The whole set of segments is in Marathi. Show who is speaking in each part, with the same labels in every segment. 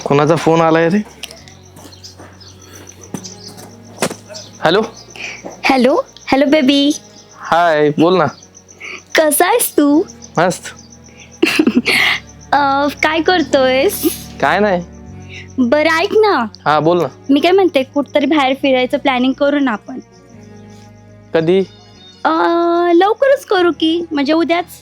Speaker 1: कोणाचा फोन आलाय रे? Hello
Speaker 2: hello hello baby,
Speaker 1: hi, बोल ना.
Speaker 2: कसा आहेस तू?
Speaker 1: मस्त.
Speaker 2: काय करतोयस?
Speaker 1: काय नाही.
Speaker 2: बरं ऐक ना,
Speaker 1: हा बोल ना.
Speaker 2: मी काय म्हणते, कुठतरी बाहेर फिरायचं प्लॅनिंग करू ना आपण.
Speaker 1: कधी?
Speaker 2: लवकरच करू की, म्हणजे उद्याच.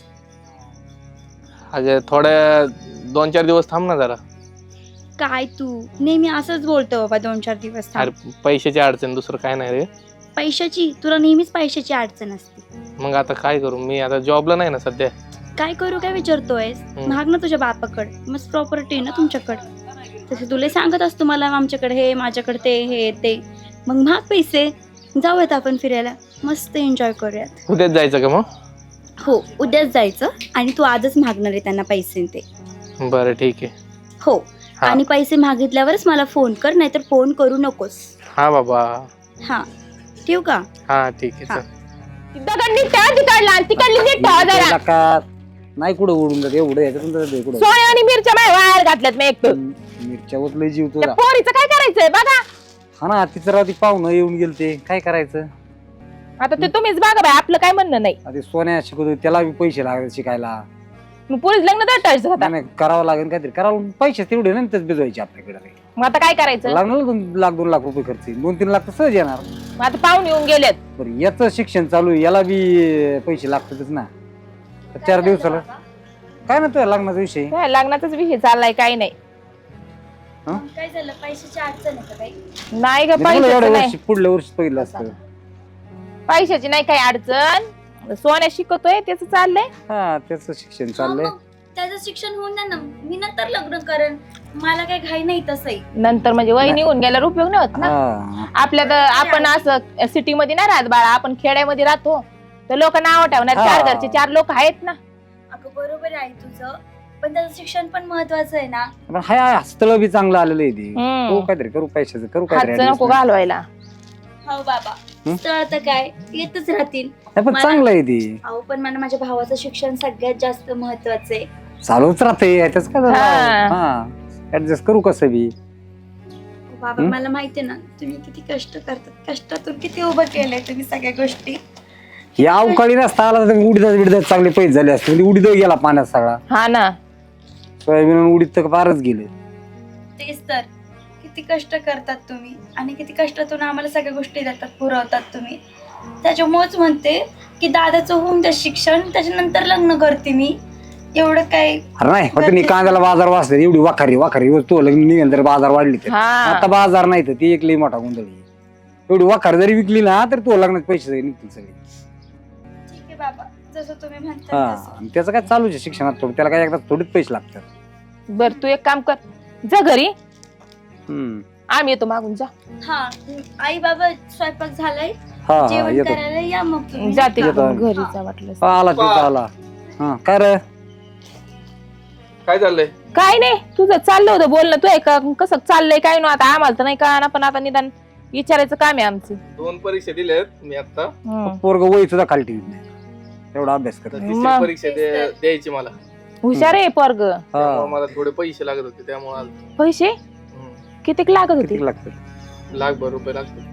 Speaker 1: अगं थोड्या 2-4 दिवस थांब ना जरा.
Speaker 2: काय तू नेहमी असंच बोलतो बाबा, 2-4 दिवस थांब.
Speaker 1: अरे पैशाची अडचण, दुसरं काय नाही रे.
Speaker 2: पैशाची? तुला नेहमीच पैशाची अडचण असते.
Speaker 1: मग आता काय करू, मी आता जॉबला नाही ना सध्या.
Speaker 2: काय करू काय विचारतोयस? माग ना तुझ्या बापाकड, मस्त प्रॉपर्टी ना तुमच्याकडे. तसं तुला सांगत असतो मला, आमच्याकडे हे, माझ्याकडे ते, हे ते. मग माग पैसे, जाऊयात आपण फिरायला, मस्त एन्जॉय करूयात.
Speaker 1: उद्याच जायचं का मग?
Speaker 2: हो उद्याच जायचं, आणि तू आजच मागणार आहे त्यांना पैसे ते.
Speaker 1: बरं ठीक आहे.
Speaker 2: हो.
Speaker 1: हा.
Speaker 2: आणि पैसे मागितल्यावरच मला फोन कर, नाहीतर फोन करू नकोस.
Speaker 1: हा बाबा.
Speaker 2: हा ठेवू का?
Speaker 1: हा ठीक आहे
Speaker 2: हा.
Speaker 1: चल.
Speaker 3: दगड नीट ठेवा, तिकडला तिकडली नीट ठेवा जरा.
Speaker 4: का नाही कुठं उडून जाते एवढं याच्यातून जाते कुठं.
Speaker 3: सोने आणि मिरच्या माझ्या वायर घातल्यात मी एक तर.
Speaker 4: मिरच्या उचलय जीव
Speaker 3: त्या
Speaker 4: तुझा.
Speaker 3: पोरीचं काय करायचंय बघा.
Speaker 4: हा ना, तिचं राव ती पाहुणं येऊन गेलते, काय करायचं
Speaker 3: आता ते तुम्हीच बघा बाय, आपलं काय म्हणणं नाही.
Speaker 4: आता सोन्या शिकवतो, त्याला बी पैसे लागले शिकायला.
Speaker 3: मग पोलीस लग्न दटायचं आता.
Speaker 4: नाही करावं लागेल काहीतरी करावं, पैसे तेवढे नाही तेच भिजवायचे आपल्याकडे.
Speaker 3: मग आता काय करायचं?
Speaker 4: लागणार 2 लाख रुपये खर्च, 2-3 लाख तर सहज येणार.
Speaker 3: मग आता पाहुणे येऊन गेलेत.
Speaker 4: बरं याचं शिक्षण चालू आहे, याला बी पैसे लागतातच ना. 4 दिवसाला काय ना तुझ्या लग्नाचा विषय.
Speaker 3: काय लग्नाचाच विषय चाललाय, काही नाही.
Speaker 2: काय झालं, पैशाची अडचण आहे का काही?
Speaker 3: नाही ग,
Speaker 4: एवढ्या
Speaker 3: पैशाची नाही.
Speaker 4: वर्षी पुढल्या वर्षी पहिलं असतं.
Speaker 3: पैशाची नाही काही अडचण. सोन्या शिकवतोय त्याच चाललंय.
Speaker 4: हा त्याचं शिक्षण चाललंय.
Speaker 2: त्याचं शिक्षण होऊन द्या ना, मी नंतर लग्न करेन. मला काही घाई नाही तसंही.
Speaker 3: नंतर म्हणजे वय निघून गेल्यावर उपयोग नाही होत ना.
Speaker 4: हा
Speaker 3: आपल्या तर आपण असं सिटी मध्ये नाही राहत बाळा, आपण खेड्यामध्ये राहतो. तर लोक नाव ठेवणार,
Speaker 4: हा.
Speaker 3: 4 घरचे 4 लोक आहेत ना.
Speaker 2: अगं बरोबर आहे तुझं, पण त्याचं शिक्षण पण महत्वाचं आहे ना.
Speaker 4: पण हाय स्थळ बी चांगलं आलेलं आहे ते.
Speaker 3: हम्म.
Speaker 4: हो काहीतरी करू, पैशाचं करू
Speaker 3: हातचं
Speaker 4: काहीतरी
Speaker 3: नको घालवायला.
Speaker 2: हो बाबा, स्थळ तर काय येतच राहतील.
Speaker 4: नाही, पण
Speaker 2: मला-
Speaker 4: चांगलं आहे ते.
Speaker 2: अहो पण मला माझ्या भावाचं शिक्षण सगळ्यात जास्त महत्वाचं आहे.
Speaker 4: चालूच राहते याच्याच काय झालं.
Speaker 3: हा.
Speaker 4: हा ऍडजस्ट करू कसं बी.
Speaker 2: बाबा मला माहितीये ना, तुम्ही किती कष्ट करतात, कष्टातून किती उभं केलंय तुम्ही सगळ्या गोष्टी.
Speaker 4: या अवकाळी रस्ता आला तर उडीदात चांगले पैसे झाले असते, म्हणजे उडीद गेला पाण्यात सगळा.
Speaker 3: हा ना.
Speaker 4: सोयाबीन उडीद तर फारच गेले.
Speaker 2: तेच तर, किती कष्ट करतात तुम्ही, आणि किती कष्टातून आम्हाला सगळ्या गोष्टी देतात, पुरवतात तुम्ही. त्याच्यामुळेच म्हणते की दादाचं होऊन द्या शिक्षण, त्याच्यानंतर लग्न करते मी. एवढं काय
Speaker 4: अरे नाही होतं कांद्याला बाजार वाचले, एवढी वाखारी तो लग्न निघेल तर बाजार वाढली तर.
Speaker 3: हा.
Speaker 4: आता बाजार नाही तर ती एक लई मोठा गोंधळ आहे. एवढी वाखारी जरी विकली ना तर तो लग्नात पैसे निघतील सगळे.
Speaker 2: ठीक आहे बाबा, जसं तुम्ही
Speaker 4: हा
Speaker 2: म्हणता तसं.
Speaker 4: आणि त्याचं काय चालूच आहे शिक्षणात, थोडं त्याला काय एकदा थोडीच पैसे लागतात.
Speaker 3: बर तू एक काम कर, जा घरी,
Speaker 4: हम्म.
Speaker 3: आम्ही येतो मागून. जा
Speaker 2: हा आई बाबा स्वयंपाक झालाय,
Speaker 4: हा हा
Speaker 2: जेवण
Speaker 4: येतो.
Speaker 2: करायला या मग तुम्ही.
Speaker 3: जाते
Speaker 4: येतो.
Speaker 3: घरी, जा वाटलं.
Speaker 4: आला तिथं आला. हा काय रे
Speaker 1: काय चाललंय?
Speaker 3: काय नाही, तुझं चाललं होतं बोलणं. तू का कसं चाललंय काय ना, आता आम्हाला तर नाही कळणार, पण आता निदान विचारायचं काम आहे आमचं.
Speaker 1: 2 परीक्षा दिल्यात मी आता.
Speaker 4: पोरग वय सुद्धा खाली ठेवत नाही, एवढा अभ्यास करत.
Speaker 1: तिसरी
Speaker 3: मग.
Speaker 1: परीक्षा द्यायची मला.
Speaker 3: हुशार आहे पोरग.
Speaker 1: त्यामुळे मला थोडे पैसे लागत होते, त्यामुळे आलो.
Speaker 3: पैसे किती लागत होते?
Speaker 4: किती लागतात?
Speaker 1: लाखभर रुपये लागतात.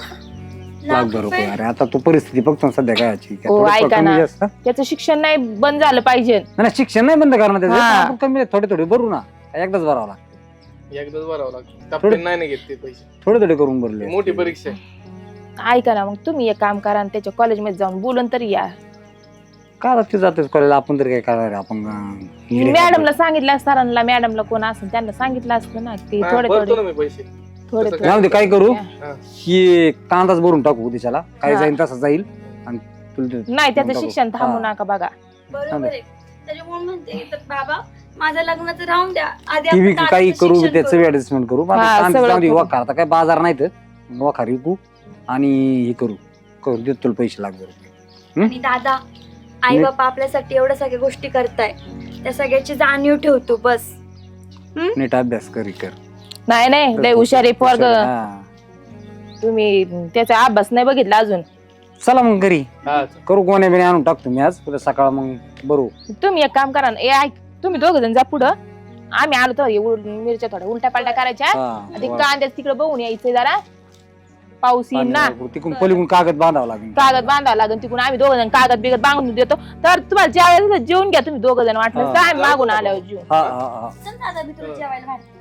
Speaker 4: लाखभर रुपये. अरे आता तू परिस्थिती बघतो ना सध्या काय याची.
Speaker 3: हो, ऐका ना.
Speaker 4: जास्त
Speaker 3: त्याचं शिक्षण नाही बंद झालं पाहिजे.
Speaker 4: नाही शिक्षण नाही बंद करणार त्याचं,
Speaker 3: हा.
Speaker 4: आपण कमी थोडे भरू ना, एकदाच भरावं लागतं.
Speaker 1: एकदाच भरावं लागतं, टप्प्याने नाही घेत ते पैसे.
Speaker 4: थोडे करून भरले.
Speaker 1: मोठी परीक्षा आहे.
Speaker 3: ऐका ना, मग तुम्ही एक काम करा आणि त्याच्या कॉलेजमध्ये जाऊन बोलून तरी या.
Speaker 4: का ते जातेच कॉलेजला, आपण तरी काय करणार आहे, आपण
Speaker 3: मॅडमला सांगितलं, सरांना, मॅडमला कोण असेल त्यांना सांगितलं असतं ना की
Speaker 1: हा,
Speaker 3: थोडे
Speaker 1: भरतो
Speaker 3: थोडे
Speaker 1: ना मी पैसे.
Speaker 3: थोडे
Speaker 1: तसं
Speaker 4: जाऊ दे, काय करू
Speaker 1: हा.
Speaker 4: की कांदाच भरून टाकू त्याच्याला, काय
Speaker 3: हा.
Speaker 4: जाईल तसं जाईल. आणि तुला
Speaker 3: नाही
Speaker 4: देऊन
Speaker 3: त्याचं
Speaker 4: टाकू.
Speaker 3: शिक्षण थांबू
Speaker 4: हा.
Speaker 3: नका बघा.
Speaker 2: बरोबर आहे. त्याच्यामुळे म्हणते तर बाबा माझं लग्नाचं राहून द्या आधी.
Speaker 4: ती बी
Speaker 2: आपण
Speaker 4: काही
Speaker 2: दादाचं
Speaker 4: करू,
Speaker 2: शिक्षण
Speaker 4: त्याचं ऍडजस्टमेंट करू.
Speaker 3: हा, सगळं करू.
Speaker 4: वखार आता काय बाजार नाही तर वखार विकू आणि हे करू देतो तुला पैसे लागू.
Speaker 2: आणि दादा आई बाबा आपल्यासाठी एवढ्या सगळ्या गोष्टी करताय, त्या सगळ्याची जाणीव ठेवतो बस.
Speaker 4: नीट अभ्यास कर.
Speaker 3: नाही लय हुशार आहे पोरग.
Speaker 4: हा.
Speaker 3: तुम्ही त्याचा अभ्यास नाही बघितला अजून.
Speaker 4: चला मग घरी
Speaker 1: हा.
Speaker 4: करू, गोण्या बिण्या आणून टाकतो मी आज, उद्या सकाळ मग बरू.
Speaker 3: तुम्ही एक काम करा ना, ऐक, तुम्ही 2 जण जा पुढं, आम्ही आलो तर मिरच्या थोड्या उलट्या पालट्या करायच्या
Speaker 4: हा,
Speaker 3: ते कांद्याच तिकडे बघून यायचंय जरा पाऊस येईल ना
Speaker 4: तिकडून पलीकडून कागद बांधावं लागेल.
Speaker 3: कागद बांधावं लागेल तिकडून आम्ही दोघ जण कागद बिगत बांधून देतो तर तुम्हाला जेवायला जेवून घ्या तुम्ही दोघ जण वाटलं
Speaker 4: हा.
Speaker 3: काय मागून आल्यावर जेवून
Speaker 4: हा हा हा.
Speaker 2: चल दादा मी तुला जेवायला घालते.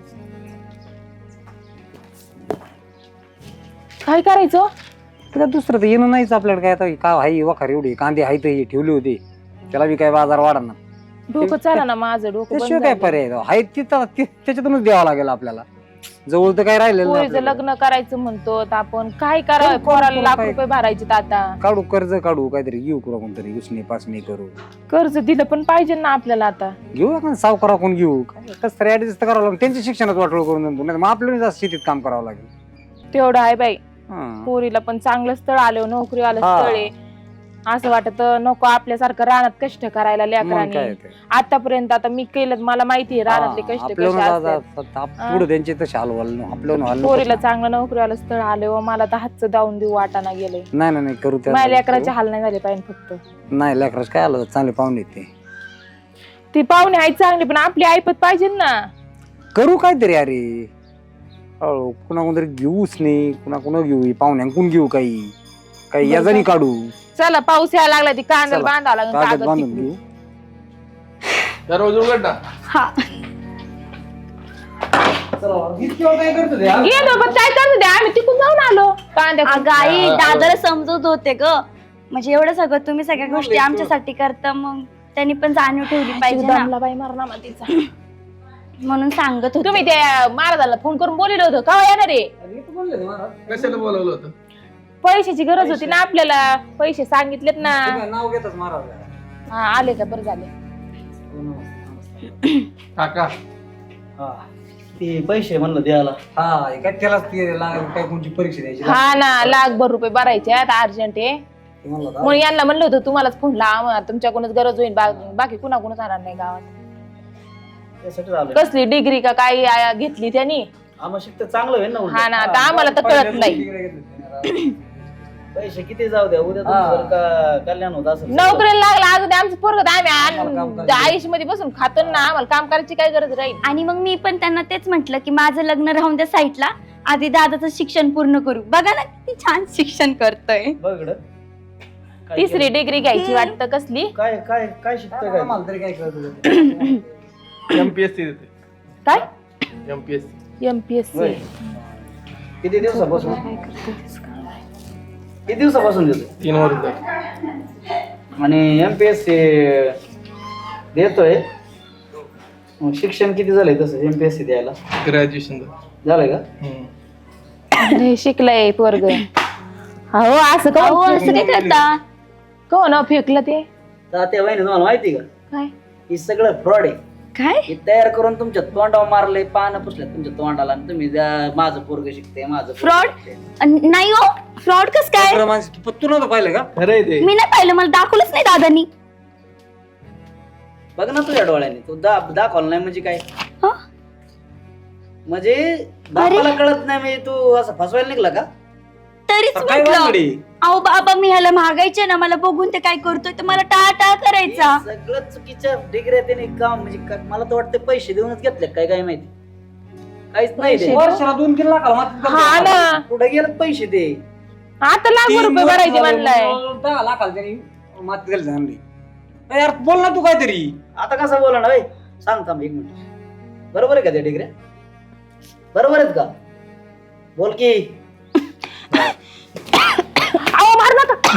Speaker 3: काय करायचं
Speaker 4: तर दुसरं तर येणं नाहीच आपल्याकडे. काय आता का हाय वखार एवढी कांदे हाय तर ठेवले होते त्याला बी काय बाजार वाढणार ना.
Speaker 3: डोकं चाला ना माझं डोकं बंद
Speaker 4: त्याशिवाय काय
Speaker 3: झालं.
Speaker 4: पर्याय हाय तिथं त्याच्यातूनच द्यावं लागेल आपल्याला. जवळ तर काय राहिलेलं नाही
Speaker 3: पोरीचं
Speaker 4: आपल्याकडे.
Speaker 3: लग्न करायचं म्हणतो तर आपण काय करावं
Speaker 4: करू,
Speaker 3: पोराला
Speaker 4: करू,
Speaker 3: लाख
Speaker 4: काय?
Speaker 3: रुपये भरायचे आता
Speaker 4: काढू कर्ज काढू काहीतरी घेऊ कोणतरी उसने पासने करू
Speaker 3: कर्ज दिलं पण पाहिजे ना आपल्याला आता
Speaker 4: घेऊ आपण सावकारा कोण घेऊ कसं तरी ऍडजस्ट करावं लागेल. त्यांच्या शिक्षणात वाटोळ करून देतो नाही मग आपल्याला जास्त शेतीत काम करावं लागेल.
Speaker 3: तेवढं आहे बाई
Speaker 4: हा.
Speaker 3: पोरीला पण चांगलं स्थळ आलं नोकरी आलं
Speaker 4: हा.
Speaker 3: स्थळ आहे असं वाटत नको आपल्यासारखं रानात कष्ट करायला
Speaker 4: मग काय
Speaker 3: लेकरांनी
Speaker 4: ते.
Speaker 3: आतापर्यंत आता मी केलं मला माहितीये रानातले कष्ट कसे असतात
Speaker 4: पुढे त्यांचे तसे हालवाल आपल्याला
Speaker 3: पोरीला चांगलं नोकरी आलं स्थळ आलं मला तर हातचं दावून देऊ वाटाना गेलंय
Speaker 4: नाही करू त्या
Speaker 3: माझ्या लेकराचे हाल नाही झाले पाहिजे फक्त
Speaker 4: नाही लेकराच काय आलं चांगले पाहुणे ते
Speaker 3: ती पाहुणे आहेत चांगली पण आपली ऐपत पाहिजे ना
Speaker 4: करू काहीतरी अरे कुणा कोणतरी घेऊच नाही कुणा घेऊ पाहुण्यांकून घेऊ काही याजानी काढू
Speaker 3: चला पाऊस यायला लागला ती कांदा
Speaker 4: चला,
Speaker 3: बांधावं लागेल
Speaker 4: कागद
Speaker 3: कागद
Speaker 4: बांधून
Speaker 3: तिकडून.
Speaker 4: घेऊ.
Speaker 1: दरवाजा उघड ना.
Speaker 2: हा
Speaker 3: गेलो पण काय करतो ते आम्ही तिकडून जाऊन आलो कांद्या
Speaker 2: अगं आई दादाला समजत होते ग म्हणजे एवढं सगळं तुम्ही सगळ्या गोष्टी आमच्यासाठी करता मग त्यांनी पण जाणीव ठेवली पाहिजे ना
Speaker 3: दमला बाई मारला मग तिचा
Speaker 2: म्हणून सांगत होते.
Speaker 3: तुम्ही त्या महाराजाला फोन करून बोलले होतं का येणार रे
Speaker 1: कशाला बोलावलं होतं?
Speaker 3: पैशाची गरज होती ना आपल्याला पैसे सांगितलेत ना
Speaker 4: नाव घेतच महाराज
Speaker 3: हा आले का बरं झाले
Speaker 1: काका
Speaker 5: हा ते पैसे म्हणलं द्यायला
Speaker 4: हा काय त्यालाच ते काय कोणची परीक्षा द्यायची
Speaker 3: हा ना लाखभर रुपये भरायचे आता अर्जंट आहे
Speaker 4: ते म्हणलं होतं,
Speaker 3: म्हणून यांना म्हणलं होतं तुम्हालाच फोन लावा तुमच्याकडूनच गरज होईल बाकी कुणाकडूनच राहणार नाही गावात
Speaker 5: त्यासाठी झालं
Speaker 3: कसली डिग्री का काही घेतली त्यांनी
Speaker 5: आम्हाला शिकत चांगलं होईल ना उलट.
Speaker 3: हा ना आता आम्हाला तर कळत नाही
Speaker 5: पैसे किती जाऊ द्या उद्या तुमचं जर का कल्याण होत असेल
Speaker 3: नोकरीला लागला अजून आमचं पोरग आम्ही आयुष्य मध्ये बसून खातो ना आम्हाला काम करायची काय गरज राहील
Speaker 2: आणि मग मी पण त्यांना तेच म्हंटल की माझं लग्न राहून द्या साईडला आधी दादाचं शिक्षण पूर्ण करू बघा ना किती छान शिक्षण करतोय
Speaker 5: बघ इकडं. काय
Speaker 3: तिसरी
Speaker 5: केलं?
Speaker 3: डिग्री घ्यायची वाटतं कसली
Speaker 5: काय काय काय शिकतोय काय
Speaker 4: आम्हाला तरी काय कळत
Speaker 1: एमपीएससी देते.
Speaker 3: काय
Speaker 1: एमपीएससी
Speaker 3: एमपीएससी
Speaker 5: होय. किती दिवसापासून किती दिवसापासून देतो
Speaker 1: 3 वर्ष झाली.
Speaker 5: आणि एमपीएससी देतोय मग शिक्षण किती झालंय तसं एमपीएससी द्यायला
Speaker 1: ग्रॅज्युएशन
Speaker 5: झालंय का
Speaker 1: झालं.
Speaker 3: शिकलंय पोरग हो असं का
Speaker 2: अहो, असं काय करता
Speaker 3: कोण फेकलं ते
Speaker 5: तात्या बहिणी तुम्हाला माहिती का
Speaker 3: काय
Speaker 5: हे सगळं फ्रॉड आहे
Speaker 2: काय
Speaker 5: हे तयार करून तुमच्या तोंडावर मारले पानं पुसले तुमच्या तोंडाला आणि तुम्ही माझं पोरग शिकते माझं पोरगं
Speaker 2: Fraud?
Speaker 5: शिकतंय.
Speaker 2: नाही हो फ्रॉड कस काय
Speaker 4: तू नव्हतं पाहिलं का
Speaker 1: खरं आहे ते.
Speaker 2: मी नाही पाहिलं मला दाखवलंच नाही दादानी
Speaker 5: बघ ना तुझ्या डोळ्याने तू दाखवलं नाही म्हणजे काय
Speaker 2: हं?
Speaker 5: म्हणजे बापाला कळत नाही म्हणजे तू असं फसवायला निघला का
Speaker 2: तरीच
Speaker 4: काय
Speaker 2: म्हटलं
Speaker 4: वांगडी?
Speaker 2: अहो बाबा मी ह्याला मागायचे ना मला बघून ते काय करतोय तर मला टाळाटाळ करायचा
Speaker 5: हे सगळं चुकीच्या डिग्र्या त्याने काम म्हणजे मला तर वाटतं पैसे देऊनच घेतले काय काय माहिती काहीच नाही ते.
Speaker 4: वर्षाला 2-3 लाखाला मात्र
Speaker 3: हा ना
Speaker 5: कुठे गेलं पैसे ते
Speaker 3: आता लाख रुपये भरायचे म्हणलाय
Speaker 4: 10 लाखाला त्यांनी माती घालून आणली. अरे यार बोल ना तू काहीतरी
Speaker 5: आता कसं बोला ना सांग थांब 1 मिनिट बरोबर आहे का त्या डिग्र्या बरोबर आहेत का बोल की
Speaker 3: अहो मार नका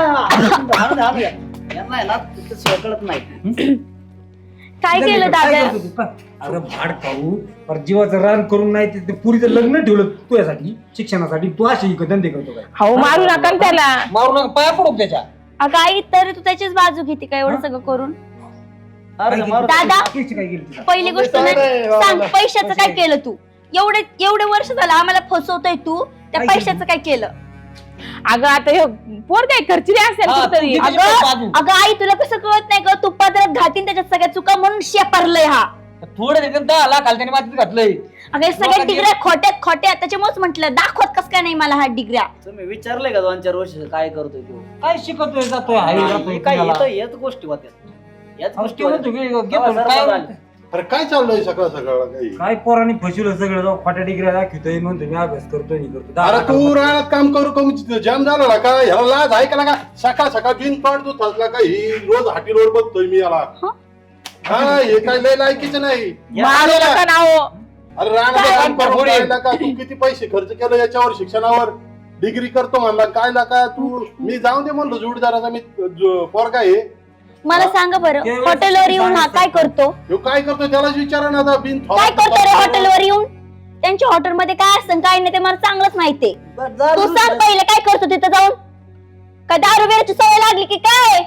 Speaker 5: यांना आहे ना तसं कळत नाही
Speaker 2: काय केलं
Speaker 4: काय
Speaker 2: दादा
Speaker 4: करतो तू? काय? अरे भाड खाऊ पर जीवाचं रान करून नाही ते पुरीचं लग्न ठेवलं तुझ्यासाठी शिक्षणासाठी तू असे धंदे करतो काय
Speaker 3: हो मारू नका ना त्याला
Speaker 4: मारू नका पाया पडू त्याच्या
Speaker 2: अगं आई तर तू त्याचीच बाजू घेते का एवढं सगळं करून
Speaker 5: अरे मारू
Speaker 2: दादा
Speaker 4: केसची काय केली तुला?
Speaker 2: पहिली गोष्ट ना, सांग पैशाचं काय केलं तू एवढे वर्ष झालं आम्हाला फसवतोय तू त्या
Speaker 4: काय
Speaker 2: पैशाचं काय केलं
Speaker 3: अगं आता हे पोर काय खर्चली असेल
Speaker 4: हा,
Speaker 3: कुठतरी
Speaker 4: तू किती-
Speaker 2: अगं अगं आई तुला कसं कळत नाही ग तू पदरात घातीन त्याच्यात सगळ्या चुका म्हणून शेपरलंय हा
Speaker 4: थोडं देते 10 लाखाला त्याने मातीत घातलंय
Speaker 2: अगं हे सगळ्या डिग्र्या खोट्या त्याच्यामुळेच म्हटलं दाखवत कस काय नाही मला हा डिग्र्या
Speaker 5: तुम्ही विचारलंय का 2-4 वर्ष काय करतोय तू
Speaker 4: काय शिकवतोय जातोय हाय जातोय
Speaker 5: काय
Speaker 4: पुण्याला.
Speaker 5: येतं याच गोष्टी होत्या याच
Speaker 4: गोष्टी
Speaker 5: होत्या.
Speaker 4: म्हणतो की
Speaker 5: तेव्हा
Speaker 4: घेतो
Speaker 5: सर्व
Speaker 4: काय
Speaker 5: झालं.
Speaker 6: अरे काय चाललंय सकाळ सकाळ काही?
Speaker 4: काय पोरांनी फसवलं सगळं जाऊ खोट्या डिग्र्या दाखवतोय म्हणतो मी अभ्यास करतोय नाही करतो
Speaker 6: अरे तू राहण्यात काम करू कमी जाम झाला ना का? ह्याला लाज आहे का ना? सकाळ सकाळ बिन पाड तू थसला का? ही रोज हाटीवर बघतोय मी याला. हा हे काय लय लायकीचं नाही.
Speaker 3: मारू नका ना हो.
Speaker 6: अरे राहण्याचं काम करून राहिला का? तू किती पैसे खर्च केलं याच्यावर शिक्षणावर? डिग्री करतो म्हणला काय का तू? मी जाऊन दे म्हणलो जोडीदाराचा मी पोरगा आहे.
Speaker 2: मला सांगा बरं, हॉटेलवर येऊन हा काय करतो?
Speaker 6: ह्यो काय करतो त्यालाच विचारा ना आता. बिन
Speaker 2: काय करतो रे हॉटेलवर येऊन? त्यांच्या हॉटेलमध्ये काय असतं काय नाही ते मला चांगलंच माहितीये. तू सांग पहिले काय करतो तिथं जाऊन? काय दारू बिरूची सवय लागली की काय?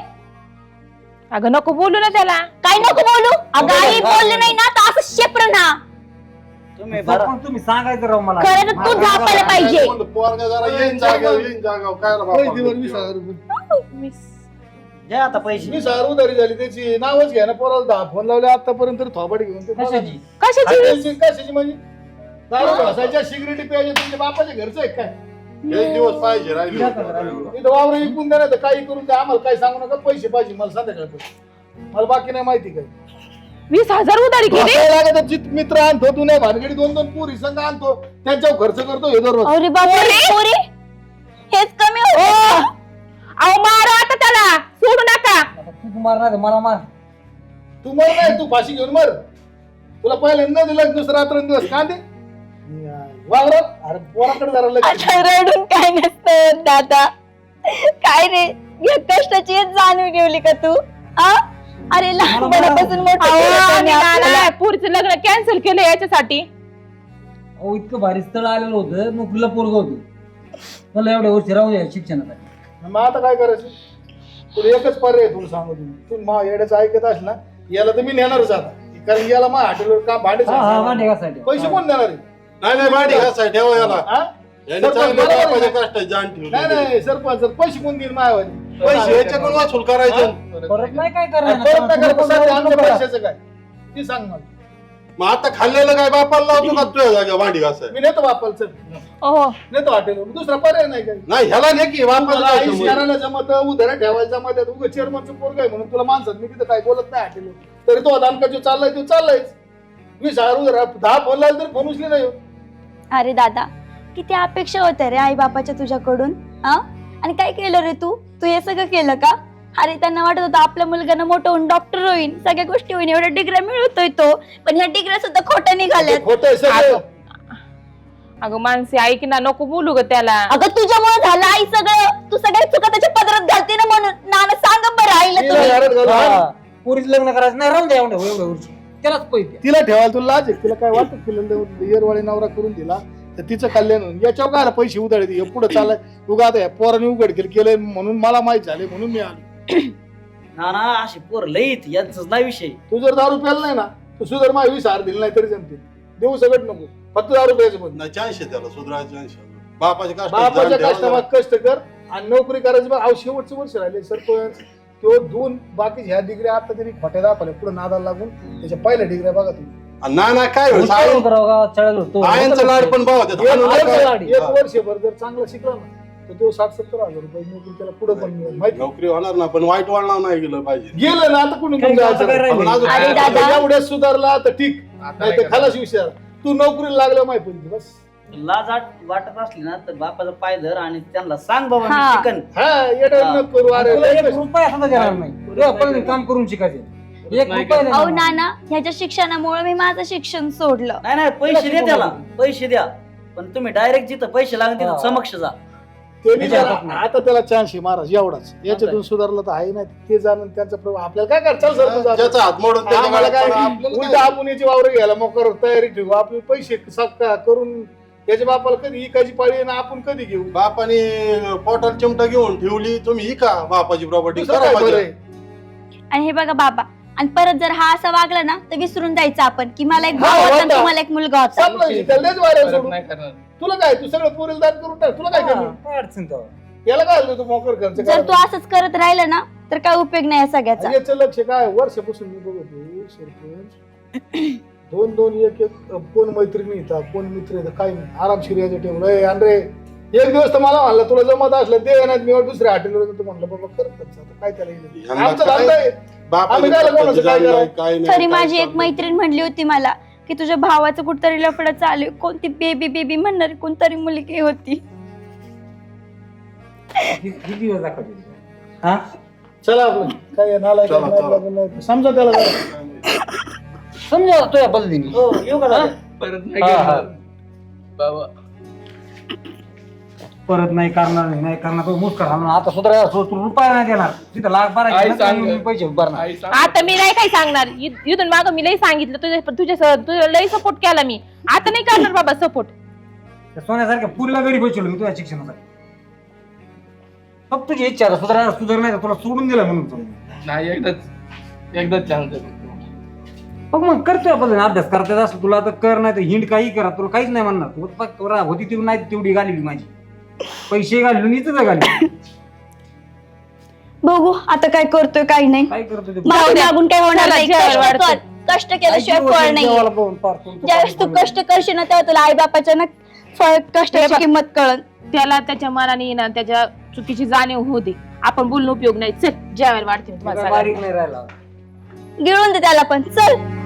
Speaker 3: अगं नको बोलू ना त्याला.
Speaker 2: काय नको बोलू? अगं आई बोलले नाही ना तर असं शेप्र ना.
Speaker 4: तुम्ही सांगायचं राव मला.
Speaker 2: खरं तर तू झापायला पाहिजे.
Speaker 6: पोरगा जरा येईन जागा काय रे बाबा?
Speaker 5: घ्या आता पैसे.
Speaker 7: मी सारवदारी झाली त्याची नावच घ्या ना पोराला 10 फोन लावले आतापर्यंत थोबाडी घेऊन ते
Speaker 5: कशाची?
Speaker 3: कशाची?
Speaker 7: कशाची म्हणजे दारू घासायच्या सिगरेटी प्यायच्या तुमच्या बापाच्या घरचं आहे काय?
Speaker 6: एक दिवस पाहिजे राहिले.
Speaker 7: इथं वावर विकून द्या नाही तर काही करून द्या आम्हाला काही सांगू नका. पैसे पाहिजे मला संध्याकाळपर्यंत. मला बाकी नाही माहिती काय.
Speaker 3: 20,000 उधारी केली.
Speaker 7: घासायला लागत जित मित्र आणतो तू नाही भानगडी 2-2 पुरी संघ आणतो त्यांच्यावर खर्च करतो हे दररोज.
Speaker 2: अरे बापरे पोरी, हेच कमी होतं.
Speaker 3: अहो मारा आता त्याला, सोडू नका.
Speaker 4: तू मार ना मला मार.
Speaker 7: तू मर नाही, तू फाशी घेऊन मर. तुला पहिल्यांदा दिलं दुसरा रात्रंदिवस का दे वावरात? अरे पोराकडे जरा लक्ष.
Speaker 2: आता रडून काय नसतं दादा. काय रे या कष्टाची जाणीव ठेवली का तू? आ? अरे लहानपणापासून मोठं
Speaker 3: पुढचं लग्न कॅन्सल केलं याच्यासाठी.
Speaker 4: अहो इतकं भारी स्थळ आलेलं होतं, नोकरीला पोरग होतं. मला एवढ्या वर्षी राहू द्या शिक्षणात.
Speaker 7: मग आता काय करायचं? तुला एकच पर्याय आहे, तुला सांगतो तू मा येड्याचं ऐकत अस ना याला तर मी नेणारच आता. कारण याला मा हॉटेलवर काम भाडे पैसे कोण देणार आहे?
Speaker 6: नाही भांडी घासाय ठेवा याला.
Speaker 7: हा?
Speaker 6: याने चांगले बापाच्या कष्टाची जाण ठेवली.
Speaker 7: नाही सरपंच पैसे कोण देईल मायावाली?
Speaker 6: पैसे याच्याकडून वसूल करायचं.
Speaker 4: परत नाही काय
Speaker 7: परत नाही करत, सध्या आणलं पैशाचं काय ती सांग मला.
Speaker 6: मग आता खाल्लेलं काय बापाला लावतो का तुझ्या जागा भांडी घासाय?
Speaker 7: मी नेतो बापाला चल
Speaker 3: ओहो
Speaker 7: नेतो हॉटेलवर. दुसरा पर्याय नाही काही.
Speaker 6: नाही ह्याला नाही की बापाला
Speaker 7: आईस
Speaker 6: लावतो.
Speaker 7: करायला जमत उधार ठेवायला जमत उगा चेअरमनचं पोरग आहे म्हणून तुला माणसात मी तिथं काय बोलत नाही हॉटेलवर. तरी तो दानका जो चाललाय तो चाललायच. 20,000 10 फोन लावले तरी फोन उचले नाही.
Speaker 2: अरे दादा, किती अपेक्षा होत्या रे आई बापाच्या तुझ्याकडून. हा? आणि काय केलं रे तू? तू हे सगळं केलं का? अरे त्यांना वाटत होतं आपल्या मुलगानं मोठं होऊन डॉक्टर होईल, सगळ्या गोष्टी होईल, एवढ्या डिग्र्या मिळवतोय तो. पण ह्या डिग्र्या सुद्धा खोट्या निघाल्यात.
Speaker 7: खोटं सगळं.
Speaker 3: अगं मानसी ऐक ना, नको बोलू ग त्याला.
Speaker 2: अगं तुझ्यामुळे झालं आई सगळं. तू सगळ्या चुका त्याच्या पदरात घालते ना म्हणून. नाना सांग बरं आईला
Speaker 7: तिला
Speaker 2: तुम्ही.
Speaker 7: घरात घालून आण.
Speaker 4: पोरीच लग्न करायचं नाही, राहून द्या एवढ्या वर्षी. त्यालाच पैसे.
Speaker 7: तिला ठेवायला तुला लाज आहे? तिला काय वाटत तिला येरवाळी नवरा करून दिला तर तिचं कल्याण होईल. याच्यावर काय पैसे उधळले पुढे चाललाय उगा आता या पोराने उघड केलंय म्हणून मला माहित झाले म्हणून मी आलो.
Speaker 5: ना अशी पोर लईत यांचाच नाही विषय.
Speaker 7: तू जर दारू प्यायला नाही ना तू सुधार माझी 20,000 दिली नाही तरी जमते. देऊ सगळं नको, फक्त दारू प्यायचं बंद.
Speaker 6: नाही 40 त्याला सुधारायचं 40. बापाच्या
Speaker 7: बापाच्या
Speaker 6: कष्टाची
Speaker 7: कष्टावर कष्ट कर आणि नोकरी करायची. बघ शेवटचं वर्ष राहिले सरपंच किंवा 2 बाकी ह्या डिग्री आता तरी खोट्या दाखवल्या पुढे नादाला लागून त्याच्या पहिल्या डिग्र्या बघा तुम्ही.
Speaker 6: ना काय होईल? आयनचं लाड पण भाव त्याचा.
Speaker 7: एक वर्षभर जर चांगला शिकला ना तर तो 60-70 हजार रुपये नोकरी त्याला पुढे पण मिळेल. माहिती
Speaker 6: नोकरी होणार ना, पण वाईट वळणार नाही गेलं पाहिजे.
Speaker 7: गेलं ना आता कुणी
Speaker 2: अरे दादा.
Speaker 7: एवढ्या सुधारला तर ठीक, नाही तर खालाच विषय. तू नोकरीला लागल्या माहिती पडली बस.
Speaker 5: लाज वाटत असली ना तर बापाचा पाय धर आणि त्यांना सांग बाबा
Speaker 2: हा.
Speaker 5: मी शिकन.
Speaker 7: हा येडा नको करू. अरे लय कष्ट.
Speaker 4: रुपया सुद्धा देणार नाही. तुला पहिलं काम करून शिकायचं. एक रुपया नाही
Speaker 2: अहो
Speaker 4: देणार.
Speaker 2: नाना, ह्याच्या शिक्षणामुळे मी माझं शिक्षण सोडलं.
Speaker 5: नाही पैसे दे त्याला, पैसे द्या. पण तुम्ही डायरेक्ट जिथं पैसे लागेल तिथं समक्ष जा.
Speaker 7: त्यांनी आता त्याला चान्स आहे महाराज एवढाच. याच्यातून सुधारलं तर आहे नाही ते जाणून त्यांचा प्रभाव आपल्याला काय कर. चल सर
Speaker 6: ज्याचा हात मोडून त्याच्या
Speaker 7: आम्हाला काय
Speaker 6: गळ्यात पडा, आपल्याला
Speaker 7: उलट
Speaker 6: काय?
Speaker 7: आपण याची वावर घ्यायला मोकर तयारी ठेवू. आपले पैसे सक्का करून त्याच्या बापाला कधी इकायची पाळी आहे ना आपण कधी घेऊ.
Speaker 6: बापाने पोटात चिमटा घेऊन ठेवली, तुम्ही ही का बापाची प्रॉपर्टी
Speaker 7: दुसरं काय बरं आहे?
Speaker 2: आणि हे बघा बाबा, आणि परत जर हा असा वागला ना तर विसरून जायचं आपण की मला एक
Speaker 7: हा,
Speaker 2: भाऊ होता आणि
Speaker 7: होता.
Speaker 2: तुम्हाला एक मुलगा होता.
Speaker 7: संपला विषय. त्याला लयच वाऱ्यावर सोडून.
Speaker 1: नाही करणार.
Speaker 7: तुला काय तू सगळं पोरील दान करून टाक. तुला काय
Speaker 4: हा,
Speaker 7: कमी
Speaker 4: काय अडचण तेव्हा.
Speaker 7: याला काय आलं तू मोकर खर्च
Speaker 2: जर तू
Speaker 7: करायला?
Speaker 2: असंच करत राहिलं ना तर काय उपयोग नाही या सगळ्याचा.
Speaker 7: याचं लक्ष काय वर्षापासून मी बघतो सरपंच 2-2 1-1 कोण मैत्रिणी येतात कोण मित्र येतात काही नाही. आरामशीर याच्या टेबल अरे एक दिवस तर मला म्हणलं तुला जमत असलं दे नाही मी दुसऱ्या हॉटेलवर जातो म्हणलं बाबा करत आता काय त्याला
Speaker 6: यांना
Speaker 7: आमचं
Speaker 6: काय?
Speaker 7: धंदा आहे. आम्ही काय कोणाचं काय करावं?
Speaker 6: काय नाही
Speaker 2: तरी
Speaker 6: काय
Speaker 2: माझी एक
Speaker 6: चाललंय.
Speaker 2: मैत्रीण म्हणली होती मला की तुझ्या भावाचं कुठतरी लफडं चालू आहे. कोणती बेबी बेबी म्हणणारी कोणतरी मुलगी होती.
Speaker 4: किती दिवस दाखवते हा
Speaker 7: चला आपलं काय नालायक
Speaker 6: चला, चला.
Speaker 7: नाही, समजा त्याला जरा.
Speaker 4: समजा तो या पद्धतीने
Speaker 5: हो येऊ का दादा?
Speaker 1: परत नाही
Speaker 4: हा,
Speaker 1: करणार.
Speaker 4: हा.
Speaker 1: बाबा
Speaker 4: परत नाही करणार नाही करणार तो मुस्कर घालून आता सुधारायला तू रुपया नाही देणार तिथं लाख
Speaker 1: आई
Speaker 4: बारा
Speaker 1: सांग.
Speaker 4: पैसे भरणार
Speaker 1: आई सांग.
Speaker 3: आता मी नाही काय सांगणार इथून मागं मी लई सांगितलं तुझ्या लई सपोर्ट केला मी. आता नाही करणार बाबा सपोर्ट.
Speaker 4: त्या सोन्यासारख्या पुरीला गरीब बसवलं मी तुझ्या शिक्षणासाठी. फक्त तुझी इच्छा आहे सुधार नाही तर तुला सोडून दिला म्हणून समजून.
Speaker 1: नाही एकदाच चान्स दे.
Speaker 4: मग मग करतोय आपण अभ्यास करता असं तुला तर कर नाही तर हिंड काही करा तुला काहीच नाही म्हणणार तू फक्त होती तेवढी नाही तेवढी घालली माझी पैसे घालून इथं घाली
Speaker 2: बघू आता काय करतोय काही नाही.
Speaker 4: काय करतो ते
Speaker 2: मागून मागून काय होणार
Speaker 3: चला,
Speaker 2: नाही.
Speaker 3: जेवायला
Speaker 2: कष्ट
Speaker 3: वाढतं.
Speaker 2: कर. कष्ट केल्याशिवाय फळ नाही.
Speaker 4: जेवायला पाहून पार तू-
Speaker 2: ज्यावेळेस तू कष्ट करशील ना तेव्हा तुला आई बापाच्या ना फळ कष्टाची
Speaker 3: बघ.
Speaker 2: किंमत कळन.
Speaker 3: त्याला त्याच्या मनाने ना त्याच्या चुकीची जाणीव होऊ दे. आपण बोलणं उपयोग नाही. चल जेवायला वाढते मी तुम्हाला
Speaker 4: काय
Speaker 3: सगळ्यांना.
Speaker 4: बारीक नाही राहिला
Speaker 2: गिळून दे त्याला पण चल.